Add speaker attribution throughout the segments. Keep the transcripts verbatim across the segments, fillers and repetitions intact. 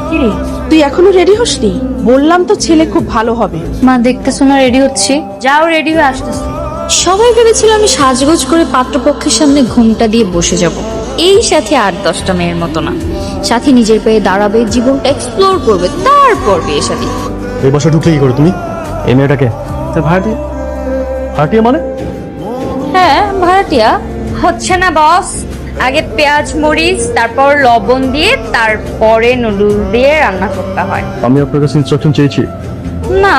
Speaker 1: কিরে তুই এখনো রেডি হসনি? বললাম তো ছেলে খুব ভালো হবে।
Speaker 2: মা দেখতেছো না রেডি হচ্ছি, যাও রেডি হয়ে আসতেছি। সবাই ভেবেছিল আমি সাজগোজ করে পাত্রপক্ষের সামনে ঘুমটা দিয়ে বসে যাব, এই সাথে আট দশটা মেয়ের মতো না, সাথে নিজের পায়ে দাঁড়াবে, জীবনটা এক্সপ্লোর করবে, তারপর বিয়ে শাদী।
Speaker 3: এই বছর ঢুকলে কি করে তুমি? এই মেয়েটাকে ভাড়াটিয়া? ভাড়াটিয়া মানে?
Speaker 2: হ্যাঁ ভাড়াটিয়া। হচ্ছে না বস, আগে পেঁয়াজ মরিচ তারপর লবণ দিয়ে তারপরে নুডলস দিয়ে রান্না করতে হয়।
Speaker 3: আমি আপনার কাছে ইনস্ট্রাকশন চেয়েছি।
Speaker 2: না,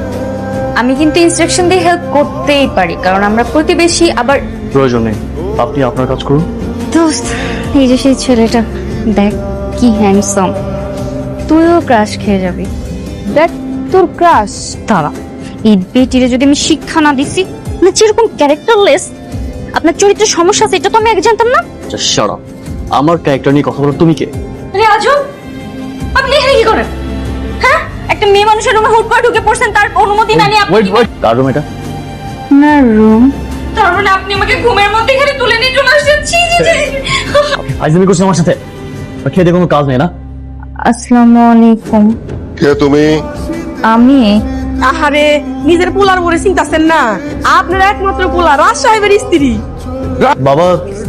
Speaker 2: আমি কিন্তু ইনস্ট্রাকশন দিয়ে হেল্প করতেই পারি, কারণ আমরা প্রতিবেশী। আবার
Speaker 3: প্রয়োজন নেই, আপনি আপনার কাজ করুন।
Speaker 2: দোস্ত, এই যে সেই ছেলেটা, দেখ কি হ্যান্ডসাম, তুইও ক্রাশ খেয়ে যাবি।
Speaker 1: দেখ তোর ক্রাশ।
Speaker 2: তারা এই বেটিরে যদি আমি শিক্ষা না দিছি, না যেরকম ক্যারেক্টারলেস, আপনার চরিত্রের সমস্যা আছে এটা তো আমি আগে জানতাম না।
Speaker 3: শাট আপ, আমার ক্যারেক্টার নিয়ে কথা বলো তুমি কে?
Speaker 2: আরে আজব, আপনি এখানে কি করেন? হ্যাঁ, একটা মেয়ে মানুষের রুমে হুট করে ঢুকে পড়ছেন, তার অনুমতি না নিয়ে আপনি।
Speaker 3: ওয়েট ওয়েট, কার রুম এটা?
Speaker 2: না রুম, তার মানে আপনি আমাকে ঘুমের মধ্যে এখানে তুলে নিয়ে চলে আসছেন। ছি ছি ছি।
Speaker 3: আইজমি করছিস আমার সাথে? খেয়ে কোনো কাজ নেই না?
Speaker 2: আসসালামু আলাইকুম।
Speaker 4: কে তুমি?
Speaker 2: আমি
Speaker 1: আহারে, নিজের পোলার বলে চিন্তাছেন না? আপনার একমাত্র পোলা রাজ সাহেবের স্ত্রী।
Speaker 3: বাবা,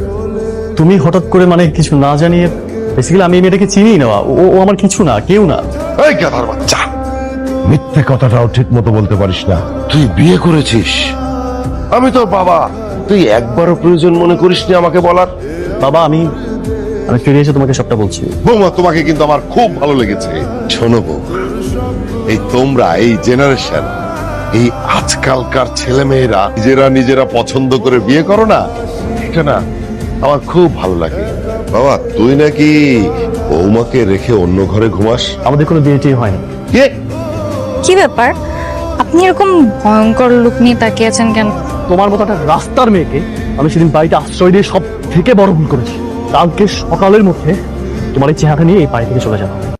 Speaker 3: তুমি হঠাৎ করে মানে কিছু না জানিয়ে, বেসিক্যালি আমি এই মেয়েটাকে চিনি না। ও ও আমার কিছু না, কেউ না।
Speaker 4: এই গাধার বাচ্চা, মিথ্যে কথাটাও ঠিক মতো বলতে পারিস না। তুই বিয়ে করেছিস, আমি তোর বাবা। তুই একবারও প্রয়োজন মনে করিসনি আমাকে বলার?
Speaker 3: বাবা, আমি আমি ফিরে এসে তোমাকে সবটা বলছি।
Speaker 4: বৌমা, তোমাকে কিন্তু আমার খুব ভালো লেগেছে। শোনো বৌমা, এই তোমরা, এই জেনারেশন, এই আজকালকার ছেলে মেয়েরা নিজেরা নিজেরা পছন্দ করে বিয়ে করো না, এটা না আমার খুব ভালো লাগে। বাবা, তুই নাকি বৌমাকে রেখে অন্য ঘরে ঘুমাস?
Speaker 3: আমাদের কোনো বিয়ে টিয়ে হয়নি।
Speaker 4: কে?
Speaker 2: কি ব্যাপার, আপনি এরকম ভয়ঙ্কর লুক নিয়ে তাকিয়ে আছেন কেন?
Speaker 3: তোমার মতো একটা রাস্তার মেয়েকে আমি সেদিন বাড়িতে আশ্রয় দিয়ে সব থেকে বড় ভুল করেছি। কালকে সকালের মধ্যে তোমার এই চেহারা নিয়ে এই বাড়ি থেকে চলে যাবো।